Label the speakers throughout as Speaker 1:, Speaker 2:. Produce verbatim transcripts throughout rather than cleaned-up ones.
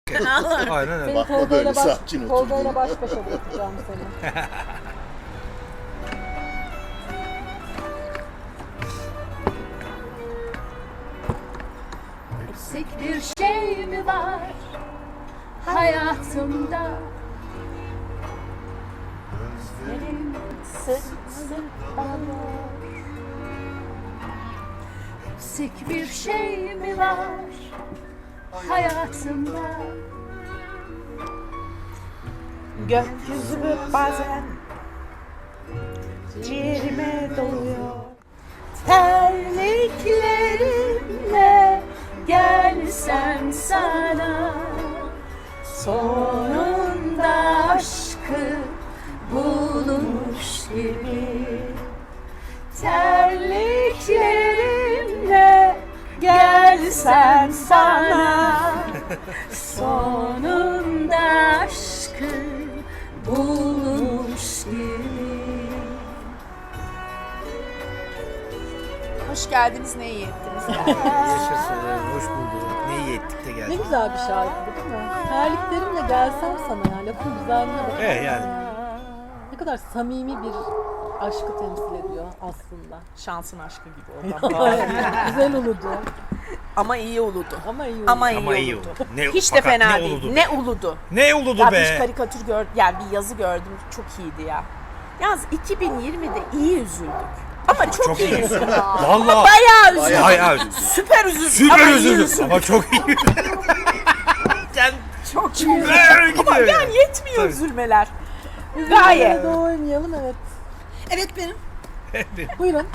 Speaker 1: Aynen öyle.
Speaker 2: Seni
Speaker 3: Bakma
Speaker 2: Tolga'yla
Speaker 3: böyle
Speaker 2: baş,
Speaker 3: sakin
Speaker 2: Tolga'yla
Speaker 3: otur.
Speaker 2: baş başa bırakacağım seni.
Speaker 4: Eksik bir şey mi var hayatımda? Gözlerim sık sık ağlar. Eksik bir şey mi var hayatımda?
Speaker 5: Gökyüzü bazen ciğerime doluyor.
Speaker 4: Terliklerimle gelsen sana, sonunda aşkı bulmuş gibi. Terliklerimle gelsen sana, sonunda aşkı bulmuş gibi.
Speaker 5: Hoş geldiniz, ne iyi ettiniz.
Speaker 1: Yaşasın, hoş bulduk. Ne iyi ettik de
Speaker 2: Ne
Speaker 1: geldik.
Speaker 2: güzel bir şarkı bu, değil mi? Terliklerimle gelsem sana ya, lafın güzelliğine bak.
Speaker 1: Evet yani.
Speaker 2: Ne kadar samimi bir aşkı temsil ediyor aslında.
Speaker 5: Şansın aşkı gibi oldu.
Speaker 2: Güzel uludu
Speaker 5: Ama iyi uludu.
Speaker 2: ama iyi uludu.
Speaker 5: Ama iyi,
Speaker 1: Ama iyi
Speaker 5: uludu.
Speaker 1: oldu. Ne,
Speaker 5: Hiç de
Speaker 1: fakat
Speaker 5: fena
Speaker 1: ne
Speaker 5: değil.
Speaker 1: uludu
Speaker 5: Ne
Speaker 1: be?
Speaker 5: uludu.
Speaker 1: Ne uludu
Speaker 5: Ya
Speaker 1: be?
Speaker 5: bir karikatür gördüm, yani bir yazı gördüm, çok iyiydi ya. Yalnız iki bin yirmide iyi üzüldük. Ama çok,
Speaker 1: Çok
Speaker 5: iyi
Speaker 1: iyi.
Speaker 5: üzüldük.
Speaker 1: Vallahi.
Speaker 5: Bayağı üzüldük.
Speaker 1: Hayır,
Speaker 5: Süper üzüldük.
Speaker 1: süper
Speaker 5: ama iyi
Speaker 1: üzüldüm. Ama çok iyi. Sen
Speaker 5: Çok iyi.
Speaker 1: böyle gidiyor.
Speaker 5: Ama yani yetmiyor
Speaker 1: Tabii.
Speaker 5: üzülmeler.
Speaker 2: Üzülmeye
Speaker 5: Gayet.
Speaker 2: de oynayalım, evet.
Speaker 4: Evet benim.
Speaker 2: Buyurun.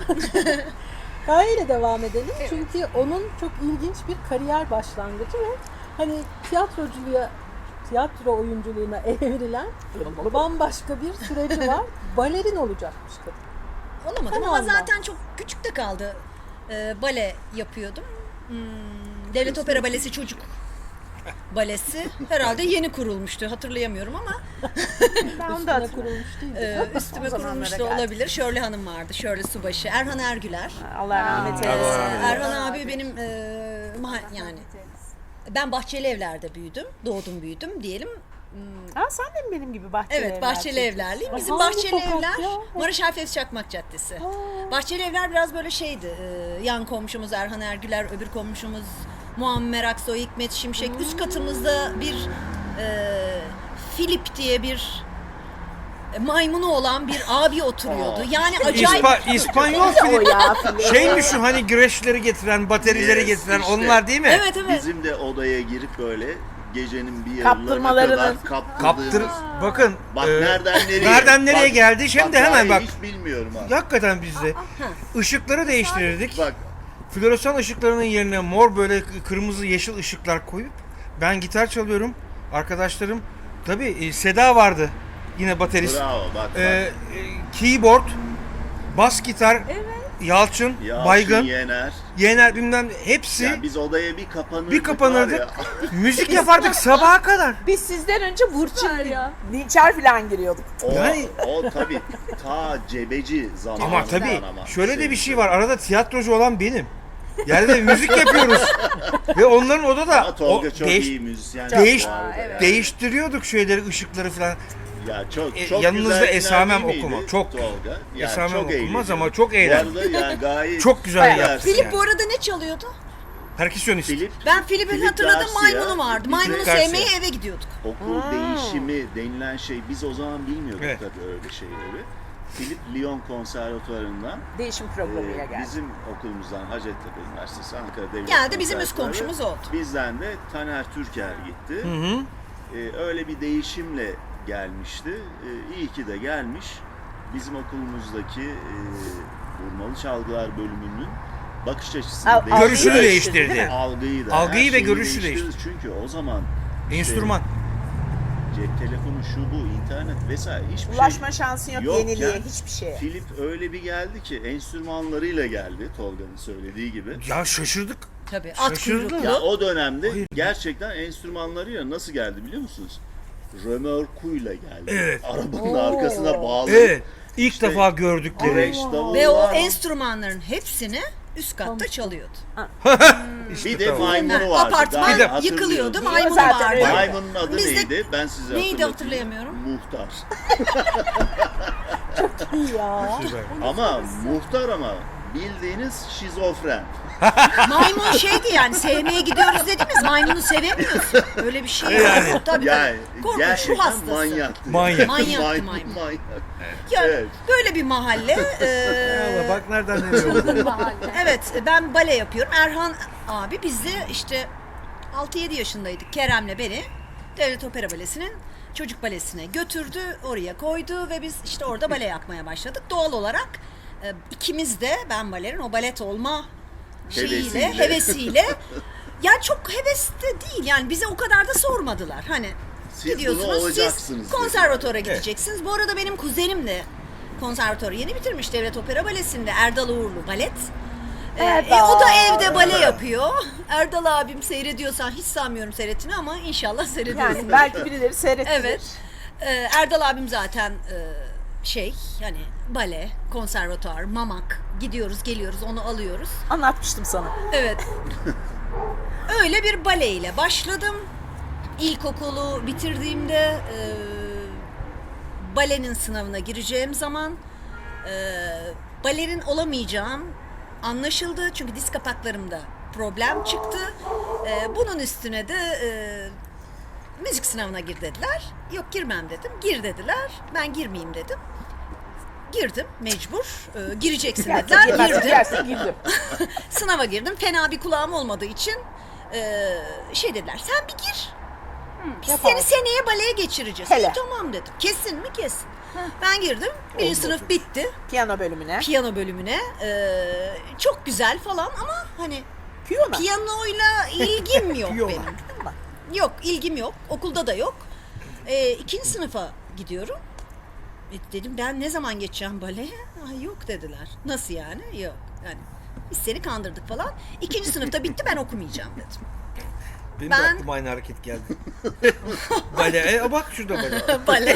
Speaker 2: Gaye ile devam edelim. Çünkü onun çok ilginç bir kariyer başlangıcı ve hani tiyatroculuğa, tiyatro oyunculuğuna evrilen bambaşka bir süreci var. Balerin olacakmış kadın.
Speaker 6: Olamadım
Speaker 2: Sen
Speaker 6: ama
Speaker 2: olma.
Speaker 6: zaten çok küçükte kaldı. Ee, bale yapıyordum. Hmm, Devlet Opera Balesi Çocuk Balesi. Herhalde yeni kurulmuştu. Hatırlayamıyorum ama
Speaker 5: Ben onu da
Speaker 2: Üstüne
Speaker 5: hatırlıyorum.
Speaker 2: kurulmuş değil mi?
Speaker 6: e, üstüme
Speaker 5: O zamanlara
Speaker 6: kurulmuş da
Speaker 5: geldik.
Speaker 6: olabilir. Şörle Hanım vardı. Şörle Subaşı. Erhan Ergüler.
Speaker 5: Allah rahmet
Speaker 6: Ee,
Speaker 5: eylesin.
Speaker 6: Erhan abi benim e, maha- yani ben Bahçeli Evler'de büyüdüm. Doğdum büyüdüm diyelim.
Speaker 5: Ha, sen de mi benim gibi bahçeli
Speaker 6: Evet,
Speaker 5: evler
Speaker 6: Bahçeli
Speaker 5: çektin?
Speaker 6: Evlerliyim.
Speaker 2: Ay,
Speaker 6: Bizim
Speaker 2: hangi
Speaker 6: Bahçeli
Speaker 2: sokak
Speaker 6: Evler,
Speaker 2: ya?
Speaker 6: Marşal Fevzi Çakmak Caddesi. Bahçeli Evler biraz böyle şeydi. e, yan komşumuz Erhan Ergüler, öbür komşumuz Muammer Aksoy, Hikmet Şimşek. Üst katımızda bir e, Filip diye bir e, maymunu olan bir abi oturuyordu. Yani acayip.
Speaker 1: İspa, İspanyol
Speaker 5: O
Speaker 1: film.
Speaker 5: ya film.
Speaker 1: Şey mi şu hani güreşleri getiren, baterileri
Speaker 3: Yes,
Speaker 1: getiren
Speaker 3: işte.
Speaker 1: onlar değil mi?
Speaker 6: Evet evet.
Speaker 3: Bizim de odaya girip böyle gecenin bir yarılarına
Speaker 5: Kaptırmalarını.
Speaker 3: kadar
Speaker 1: Kaptır.
Speaker 3: kaptırdığımız.
Speaker 1: Bakın.
Speaker 3: Bak
Speaker 1: e,
Speaker 3: nereden nereye?
Speaker 1: nereden nereye
Speaker 3: Bak-
Speaker 1: geldi? Şimdi
Speaker 3: bak,
Speaker 1: hemen
Speaker 3: daha
Speaker 1: bak.
Speaker 3: Hiç bilmiyorum ha.
Speaker 1: Hakikaten bizde. Işıkları değiştirirdik.
Speaker 3: Bak
Speaker 1: Floresan ışıklarının yerine mor böyle kırmızı yeşil ışıklar koyup ben gitar çalıyorum. Arkadaşlarım tabii e, Seda vardı. Yine baterist.
Speaker 3: bravo bak. bak.
Speaker 1: E, e, keyboard, bas gitar, Yalçın,
Speaker 3: Yalçın,
Speaker 1: Baygın,
Speaker 3: Yener.
Speaker 1: Yener bilmem hepsi
Speaker 3: Ya biz odaya bir kapanırdık.
Speaker 1: bir kapanırdık.
Speaker 3: var ya.
Speaker 1: Müzik yapardık sabaha kadar.
Speaker 5: Biz sizden önce Burçin, Dinçer falan giriyorduk.
Speaker 3: O,
Speaker 1: Yani-
Speaker 3: o tabii ta cebeci zamanından
Speaker 1: Ama tabii
Speaker 3: ama
Speaker 1: şöyle de bir şey var. Arada tiyatrocu olan benim. Yani de müzik yapıyoruz. Ve onların odada
Speaker 3: Ama Tolga
Speaker 1: o
Speaker 3: çok
Speaker 1: değiş-
Speaker 3: iyi müzisyen.
Speaker 1: değiş-
Speaker 3: bu arada ya.
Speaker 1: değiştiriyorduk şeyleri, ışıkları falan.
Speaker 3: Ya çok
Speaker 1: E,
Speaker 3: çok
Speaker 1: yanınızda
Speaker 3: güzel
Speaker 1: esamem
Speaker 3: günler değil
Speaker 1: okuma.
Speaker 3: miydi
Speaker 1: Çok.
Speaker 3: Tolga. Yani
Speaker 1: Esamem
Speaker 3: çok
Speaker 1: okunmaz
Speaker 3: eğlenceli.
Speaker 1: ama çok eğlendim.
Speaker 3: Bu arada yani gayet
Speaker 1: Çok güzel
Speaker 5: Bayağı.
Speaker 1: yaptı.
Speaker 6: Filip
Speaker 1: yani.
Speaker 6: bu arada ne çalıyordu?
Speaker 1: Perküsyonist.
Speaker 3: Filip
Speaker 6: Ben Filip'in
Speaker 3: Filip
Speaker 6: hatırladığım
Speaker 3: Garcia,
Speaker 6: maymunu vardı.
Speaker 3: bize-
Speaker 6: Maymunu
Speaker 1: Garcia.
Speaker 6: sevmeye eve gidiyorduk.
Speaker 3: okul değişimi denilen şey biz o zaman bilmiyorduk
Speaker 1: Evet.
Speaker 3: tabii öyle şeyleri. Filip Lyon Konservatuvarı'ndan
Speaker 5: Değişim
Speaker 3: e,
Speaker 5: programıyla geldi.
Speaker 3: bizim okulumuzdan Hacettepe Üniversitesi Ankara Devlet
Speaker 6: Geldi, bizim üst
Speaker 3: Konservatuvarı.
Speaker 6: komşumuz oldu.
Speaker 3: Bizden de Taner Türker gitti.
Speaker 1: Hı hı.
Speaker 3: E, öyle bir değişimle gelmişti. E, iyi ki de gelmiş. Bizim okulumuzdaki e, vurmalı çalgılar bölümünün bakış açısını
Speaker 5: Al-
Speaker 3: değiştirdi.
Speaker 1: Görüşünü
Speaker 5: Algıyı
Speaker 1: değiştirdi.
Speaker 5: değil mi?
Speaker 3: Algıyı da.
Speaker 1: Algıyı
Speaker 3: her
Speaker 1: ve
Speaker 3: şeyi
Speaker 1: görüşü
Speaker 3: değiştirdi. Çünkü o zaman işte
Speaker 1: Enstrüman.
Speaker 3: cep telefonu şu bu internet vesaire hiçbir
Speaker 5: Ulaşma şansın yok
Speaker 3: Yokken
Speaker 5: yeniliğe, hiçbir şeye.
Speaker 3: şey. Filip öyle bir geldi ki enstrümanlarıyla geldi Tolga'nın söylediği gibi.
Speaker 1: Ya şaşırdık.
Speaker 6: Tabii. At
Speaker 1: Şaşırdım.
Speaker 6: kuyruklu.
Speaker 3: Ya o dönemde
Speaker 1: Hayır.
Speaker 3: gerçekten enstrümanlarıyla nasıl geldi biliyor musunuz? Römorkuyla geldi.
Speaker 1: Evet.
Speaker 3: Arabanın
Speaker 2: Oo.
Speaker 3: arkasına bağlayıp
Speaker 1: Evet. İlk
Speaker 3: İşte
Speaker 1: defa gördükleri.
Speaker 3: güreş, davul
Speaker 6: Ve o
Speaker 3: var.
Speaker 6: enstrümanların hepsini üst katta çalıyordu.
Speaker 1: İşte
Speaker 3: Bir de
Speaker 1: tamam.
Speaker 3: maymunu vardı.
Speaker 6: Apartman
Speaker 3: Gayet
Speaker 1: Bir de-
Speaker 6: yıkılıyordu,
Speaker 3: hatırlıyorum.
Speaker 6: maymunu
Speaker 5: Zaten
Speaker 6: vardı.
Speaker 5: öyle.
Speaker 3: Maymunun adı
Speaker 6: Biz de-
Speaker 3: neydi? Ben size
Speaker 6: Neydi
Speaker 3: hatırlatayım.
Speaker 6: hatırlayamıyorum.
Speaker 3: Muhtar.
Speaker 2: İyi ya.
Speaker 1: Süper.
Speaker 3: Ama muhtar ama bildiğiniz şizofren.
Speaker 6: Maymun şeydi yani sevmeye gidiyoruz dediğimiz maymunu sevemiyorsun. Öyle bir şey yok.
Speaker 1: Yani.
Speaker 6: Tabii
Speaker 3: Yani
Speaker 6: tabii. Korkunç ruh
Speaker 3: gerçekten
Speaker 6: hastası.
Speaker 3: manyaktı.
Speaker 1: Manyak.
Speaker 6: Manyaktı
Speaker 3: maymun.
Speaker 6: maymun.
Speaker 3: manyak.
Speaker 6: Ya,
Speaker 3: Evet.
Speaker 6: böyle bir mahalle. eee,
Speaker 1: Allah bak nereden nereye oldu.
Speaker 6: evet ben bale yapıyorum. Erhan abi biz de işte altı yedi yaşındaydık. Kerem'le beni Devlet Opera Balesi'nin çocuk balesine götürdü. Oraya koydu ve biz işte orada bale yapmaya başladık. Doğal olarak e, ikimiz de ben balerin o balet olma şeyiyle,
Speaker 3: Hevesiyle.
Speaker 6: hevesiyle yani çok heves de değil yani bize o kadar da sormadılar. Hani
Speaker 3: Siz bunu
Speaker 6: gidiyorsunuz
Speaker 3: olacaksınız
Speaker 6: siz konservatuara gideceksiniz. Bu arada benim kuzenim de konservatuarı yeni bitirmiş Devlet Opera Balesi'nde Erdal Uğurlu balet. Ee,
Speaker 5: Erdal.
Speaker 6: e, o da evde bale yapıyor. Erdal abim seyrediyorsan hiç sanmıyorum seyrettiğini ama inşallah seyrediyorsun.
Speaker 5: Yani belki birileri seyrettirir.
Speaker 6: Evet. Ee, Erdal abim zaten e, şey hani bale, konservatuar, mamak gidiyoruz geliyoruz onu alıyoruz.
Speaker 5: Anlatmıştım sana.
Speaker 6: Evet. Öyle bir baleyle başladım. İlkokulu bitirdiğimde e, balenin sınavına gireceğim zaman e, balerin olamayacağım anlaşıldı. Çünkü diz kapaklarımda problem çıktı. E, bunun üstüne de e, müzik sınavına gir dediler. Yok girmem dedim. Gir dediler. Ben girmeyeyim dedim. Girdim mecbur. E, gireceksin dediler.
Speaker 5: Girmezsin,
Speaker 6: Girdim.
Speaker 5: girersin, girdim.
Speaker 6: Sınava girdim. Fena bir kulağım olmadığı için e, şey dediler. Sen bir gir. Biz
Speaker 5: yapalım.
Speaker 6: seni seneye baleye geçireceğiz.
Speaker 5: Hele.
Speaker 6: E, tamam dedim. Kesin mi? Kesin. Ben girdim. Birinci sınıf bitti.
Speaker 5: Piyano bölümüne.
Speaker 6: Piyano bölümüne. E, çok güzel falan ama hani
Speaker 5: Piyano.
Speaker 6: piyanoyla ilgim yok
Speaker 1: Piyano.
Speaker 6: benim. Yok ilgim yok. Okulda da yok. E, ikinci sınıfa gidiyorum. E, dedim ben ne zaman geçeceğim baleye? Ay yok dediler. Nasıl yani? Yok. Yani biz seni kandırdık falan. İkinci sınıfta bitti ben okumayacağım dedim.
Speaker 1: Benim
Speaker 6: Ben-
Speaker 1: de aklıma aynı hareket geldi. Bale. E, bak şurada bale.
Speaker 6: Bale.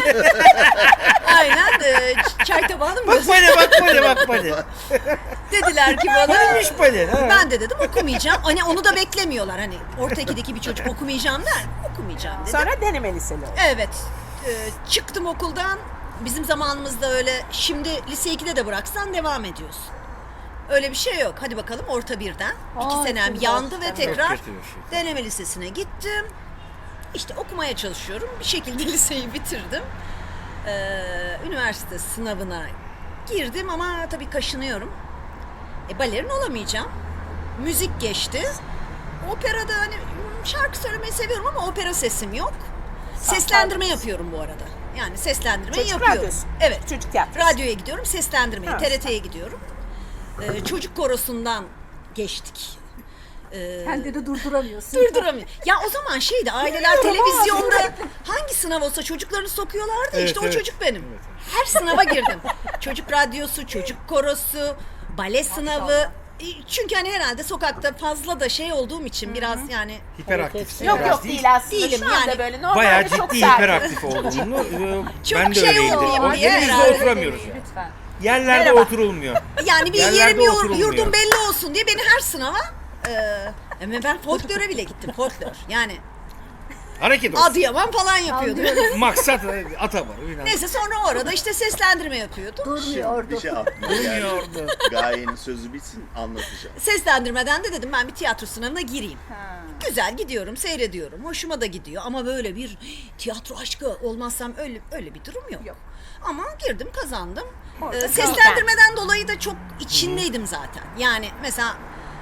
Speaker 6: Aynen. E, ç- çay tabağını mı?
Speaker 1: Bak bale bak bale bak bale.
Speaker 6: Dediler ki bana.
Speaker 1: Neymiş bale? Ha.
Speaker 6: Ben de dedim okumayacağım. Hani onu da beklemiyorlar. Hani orta ikideki bir çocuk okumayacağım der. Okumayacağım dedim.
Speaker 5: Sonra deneme liseli oldu.
Speaker 6: Evet. E, çıktım okuldan. Bizim zamanımızda öyle şimdi lise ikide de bıraksan devam ediyorsun. Öyle bir şey yok. Hadi bakalım orta birden. İki
Speaker 2: Ay,
Speaker 6: senem
Speaker 2: çok
Speaker 6: yandı ve
Speaker 2: çok
Speaker 6: tekrar
Speaker 1: kötü bir şey.
Speaker 6: deneme lisesine gittim. İşte okumaya çalışıyorum. Bir şekilde liseyi bitirdim. Ee, üniversite sınavına girdim ama tabii kaşınıyorum. E, balerin olamayacağım. Müzik geçti. Operada hani şarkı söylemeyi seviyorum ama opera sesim yok. Seslendirme yapıyorum bu arada. Yani seslendirmeyi
Speaker 5: Çocuk
Speaker 6: yapıyorum.
Speaker 5: radyosu.
Speaker 6: Evet.
Speaker 5: Çocuk tiyatrosu.
Speaker 6: Radyoya gidiyorum, seslendirmeye,
Speaker 5: Ha.
Speaker 6: T R T'ye gidiyorum. Ee, çocuk korosundan geçtik. Ee,
Speaker 2: Kendini durduramıyorsun.
Speaker 6: durduramıyor. Ya o zaman şeydi, aileler televizyonda hangi sınav olsa çocuklarını sokuyorlardı.
Speaker 1: Evet,
Speaker 6: işte
Speaker 1: evet.
Speaker 6: o çocuk benim. Her sınava girdim. Çocuk radyosu, çocuk korosu, bale sınavı. E, Çünkü hani herhalde sokakta fazla da şey olduğum için biraz yani
Speaker 1: Hiperaktifsin.
Speaker 5: Yok
Speaker 1: biraz
Speaker 5: yok değil aslında.
Speaker 6: Değilim
Speaker 5: Şu anda
Speaker 6: yani.
Speaker 5: böyle normalde
Speaker 1: Bayağı
Speaker 5: çok
Speaker 1: ciddi
Speaker 5: sakin.
Speaker 1: hiperaktif olduğunu e,
Speaker 6: Çok
Speaker 1: ben de
Speaker 6: şey
Speaker 1: öyleydim.
Speaker 6: olmayayım
Speaker 1: O
Speaker 6: diye
Speaker 1: yerimizde
Speaker 6: herhalde.
Speaker 1: oturamıyoruz yani.
Speaker 2: Lütfen.
Speaker 1: Yerlerde
Speaker 5: Merhaba.
Speaker 1: oturulmuyor.
Speaker 6: Yani bir
Speaker 1: Yerlerde
Speaker 6: yerim yur-
Speaker 1: oturulmuyor.
Speaker 6: yurdum belli olsun diye beni her sınava e, ama ben folklore bile gittim folklor. Yani
Speaker 1: Hareket olsun.
Speaker 6: Adıyaman falan yapıyordum.
Speaker 1: Maksat e, ata var. falan.
Speaker 6: Neyse sonra orada işte seslendirme yapıyordum.
Speaker 2: Durmuyordu.
Speaker 3: Bir şey aklıma geldi.
Speaker 1: Durmuyordu.
Speaker 3: Gayenin sözü bitsin anlatacağım.
Speaker 6: Seslendirmeden de dedim ben bir tiyatro sınavına gireyim. Güzel gidiyorum, seyrediyorum. Hoşuma da gidiyor ama böyle bir tiyatro aşkı olmazsam öyle öyle bir durum yok.
Speaker 5: Yok.
Speaker 6: Ama girdim, kazandım.
Speaker 5: Orada
Speaker 6: Ee, seslendirmeden dolayı da çok içindeydim zaten. Yani mesela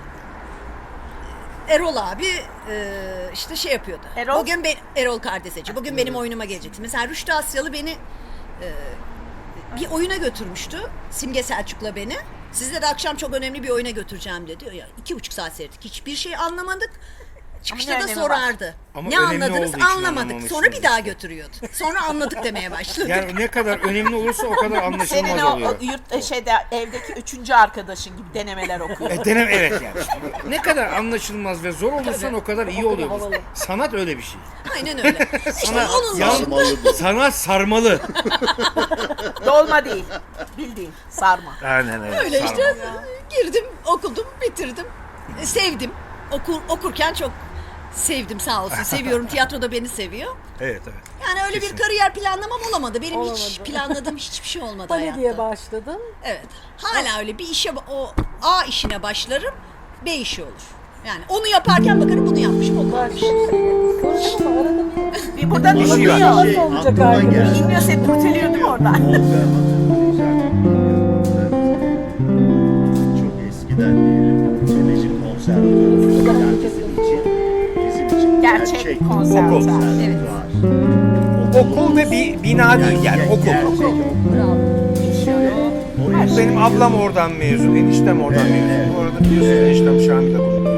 Speaker 6: Erol abi e, işte şey yapıyordu.
Speaker 5: Erol?
Speaker 6: Bugün ben Erol Kardeseci. Bugün benim oyunuma gelecekti. Mesela Rüştü Asyalı beni e, bir oyuna götürmüştü. Simge Selçuk'la beni. Sizle de akşam çok önemli bir oyuna götüreceğim dedi. Ya iki buçuk saat seyrettik. Hiçbir şey anlamadık. Çıkışta
Speaker 5: ne
Speaker 6: da
Speaker 5: önemi
Speaker 6: sorardı.
Speaker 1: Ama
Speaker 6: ne
Speaker 1: önemli
Speaker 6: anladınız
Speaker 1: olduğu için
Speaker 6: anlamadık.
Speaker 1: anlamamışsınız
Speaker 6: Sonra bir daha
Speaker 1: işte.
Speaker 6: götürüyordu. Sonra anladık demeye başladı.
Speaker 1: Yani ne kadar önemli olursa o kadar anlaşılmaz
Speaker 5: Senin o,
Speaker 1: oluyor.
Speaker 5: o yurt şeyde evdeki üçüncü arkadaşın gibi denemeler okuyor.
Speaker 1: E, denem evet yani. Ne kadar anlaşılmaz ve zor olursan o kadar iyi oluyor.
Speaker 2: havalı.
Speaker 1: Sanat öyle bir şey.
Speaker 6: Aynen öyle. İşte
Speaker 1: Sana
Speaker 6: onun
Speaker 1: yan-
Speaker 6: dışında
Speaker 3: Sarmalı bu.
Speaker 1: Sanat sarmalı.
Speaker 5: Dolma değil. Bildiğin sarma.
Speaker 1: Aynen öyle.
Speaker 6: öyle
Speaker 1: sarmalı.
Speaker 6: işte girdim, okudum, bitirdim. E, Sevdim. okur, okurken çok sevdim sağ olsun. Seviyorum. Tiyatro da beni seviyor.
Speaker 1: Evet evet.
Speaker 6: Yani öyle
Speaker 1: Kesin.
Speaker 6: bir kariyer planlamam olamadı. Benim hiç
Speaker 2: Olamadı.
Speaker 6: planladığım hiçbir şey olmadı
Speaker 2: Bale
Speaker 6: hayatta.
Speaker 2: diye başladın.
Speaker 6: Evet. Hala öyle bir işe o A işine başlarım. B işi olur. Yani onu yaparken bakarım bunu yapmışım o kalmış.
Speaker 2: Başka bir şey. Soracağım ama arada bir
Speaker 5: Bir buradan
Speaker 1: İşi
Speaker 5: bakıyor.
Speaker 1: var.
Speaker 2: nasıl
Speaker 3: Şey,
Speaker 2: olacak
Speaker 3: aklıma
Speaker 2: arkadaş?
Speaker 3: geldi.
Speaker 5: İnmiyor, seni kurtarıyor değil mi oradan?
Speaker 3: Tolga çok eskiden diyelim. Televizyon konservatuarı. Yani bizim için, bizim için
Speaker 5: Gerçek
Speaker 3: gerçek
Speaker 5: konservatuar.
Speaker 3: konservatuar.
Speaker 1: Okul ve bir bina değil yani okul.
Speaker 3: Gerçek
Speaker 2: Bravo.
Speaker 3: Oraya
Speaker 1: Benim ablam oradan mezun, eniştem oradan
Speaker 3: Evet,
Speaker 1: mezun.
Speaker 3: evet.
Speaker 1: Bu arada biliyorsunuz eniştem Şamil'de bulundu.